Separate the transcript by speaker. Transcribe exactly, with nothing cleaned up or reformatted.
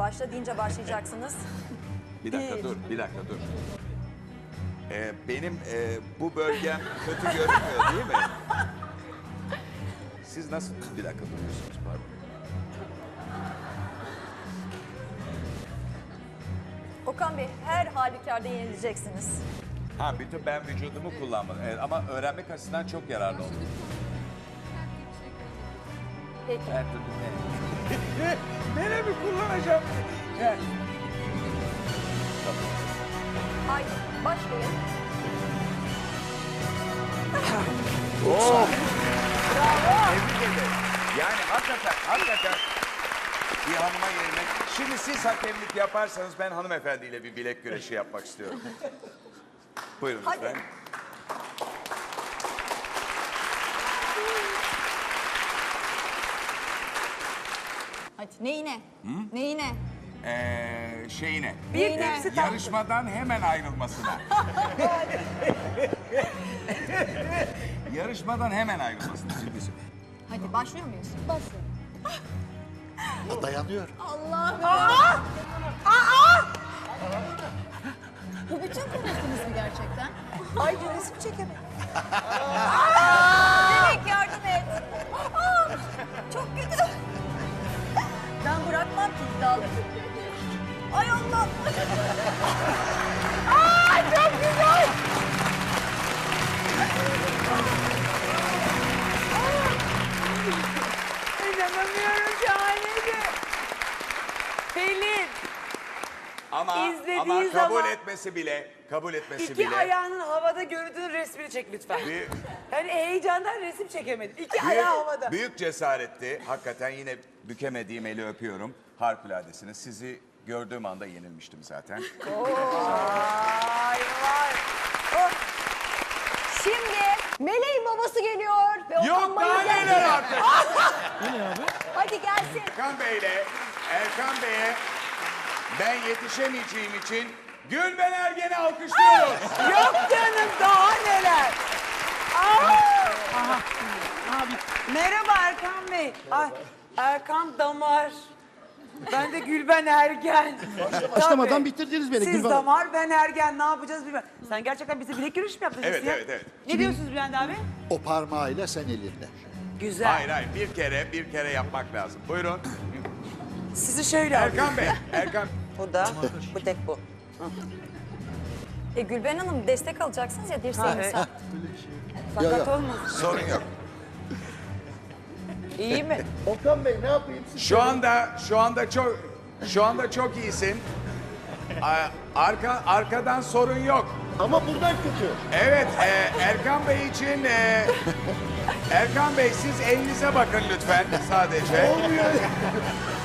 Speaker 1: Başla deyince başlayacaksınız.
Speaker 2: Bir dakika
Speaker 1: Bir.
Speaker 2: dur, bir dakika dur. Ee, benim e, bu bölgem kötü görünmüyor değil mi? Siz nasıl bir dakika duruyorsunuz pardon.
Speaker 1: Okan Bey, her halükarda yenileceksiniz.
Speaker 2: Ha bütün ben vücudumu kullanmadım. Evet, ama öğrenmek açısından çok yararlı oldu.
Speaker 1: Peki.
Speaker 2: Her türlü ne? Neremi kullanacağım? Gel.
Speaker 1: Haydi, başlayın.
Speaker 2: Oh! Tebrik ederim. Yani hakikaten, hakikaten bir hanıma yenilmek. Şimdi siz hakemlik yaparsanız ben hanımefendiyle bir bilek güreşi yapmak istiyorum. Buyurun
Speaker 1: Hadi.
Speaker 2: lütfen.
Speaker 1: Hadi, neyine? Neyine?
Speaker 2: Ee, şeyine.
Speaker 1: Bir
Speaker 2: e,
Speaker 1: tepsi tatlı.
Speaker 2: yarışmadan hemen ayrılmasına. Yarışmadan hemen ayrılmasına. Ciddi söylüyorum.
Speaker 1: Hadi, başlıyor muyuz? Başlayalım.
Speaker 3: Dayanıyor.
Speaker 1: Allah'ım. Aa! Aa! Bu bütün konuştunuz mu gerçekten? Ay, resim çekemedim. Demek yardım et. Aa! Çok kötü. Ben bırakmam ki iddialı. Ay Allah. Aa, çok güzel.
Speaker 4: İnanamıyorum, şahaneydi. Pelin,
Speaker 2: Ama,
Speaker 4: İzlediği
Speaker 2: ama kabul
Speaker 4: zaman-
Speaker 2: etmesi bile, kabul etmesi
Speaker 4: iki
Speaker 2: bile.
Speaker 4: ayağının havada görüntünün resmini çek lütfen.
Speaker 2: Büyük,
Speaker 4: Hani heyecandan resim çekemedim. İki
Speaker 2: büyük,
Speaker 4: ayağı havada.
Speaker 2: büyük cesaretti. Hakikaten yine bükemediğim eli öpüyorum. Harikuladesiniz. Sizi gördüğüm anda yenilmiştim zaten.
Speaker 4: Vay vay.
Speaker 1: Oh. Şimdi Meleğin babası geliyor. Ve
Speaker 2: Yok
Speaker 1: Okan
Speaker 2: daha
Speaker 1: Bayülgen
Speaker 2: neler
Speaker 1: geliyor.
Speaker 2: artık.
Speaker 1: Hadi gelsin.
Speaker 2: Erkan Bey'le Erkan Bey'e ben yetişemeyeceğim için Gülben Ergen'i alkışlıyoruz.
Speaker 4: Yok canım, daha neler. Aa! Aha. Abi. Merhaba Erkan Bey. Ay, Erkan Damar. Ben de Gülben Ergen.
Speaker 3: Başlamadan
Speaker 4: Tabii.
Speaker 3: bitirdiniz beni
Speaker 4: Siz
Speaker 3: Gülben.
Speaker 4: Damar, ben Ergen. Ne yapacağız bilmem. Sen gerçekten bize bilek yürüyüş mü yaptın?
Speaker 2: Evet,
Speaker 4: ya?
Speaker 2: evet, evet.
Speaker 4: Ne diyorsunuz Bülent abi?
Speaker 3: O parmağıyla sen elinde.
Speaker 4: Güzel.
Speaker 2: Hayır hayır bir kere bir kere yapmak lazım. Buyurun.
Speaker 4: Sizi şöyle alayım.
Speaker 2: Erkan Bey, Erkan.
Speaker 4: Bu da, bu tek bu.
Speaker 1: E, Gülben Hanım destek alacaksınız ya
Speaker 4: Ha,
Speaker 1: dirseğiniz.
Speaker 4: evet.
Speaker 1: Ha,
Speaker 4: Fakat
Speaker 3: Ya, ya.
Speaker 4: olmaz.
Speaker 2: Sorun yok.
Speaker 4: İyi mi?
Speaker 3: Okan Bey ne yapayım siz?
Speaker 2: Şu anda şu anda çok şu anda çok iyisin. A- Arka arkadan sorun yok.
Speaker 3: Ama buradan kötü.
Speaker 2: Evet, e, Erkan Bey için e, Erkan Bey siz elinize bakın lütfen sadece.
Speaker 3: Olmuyor.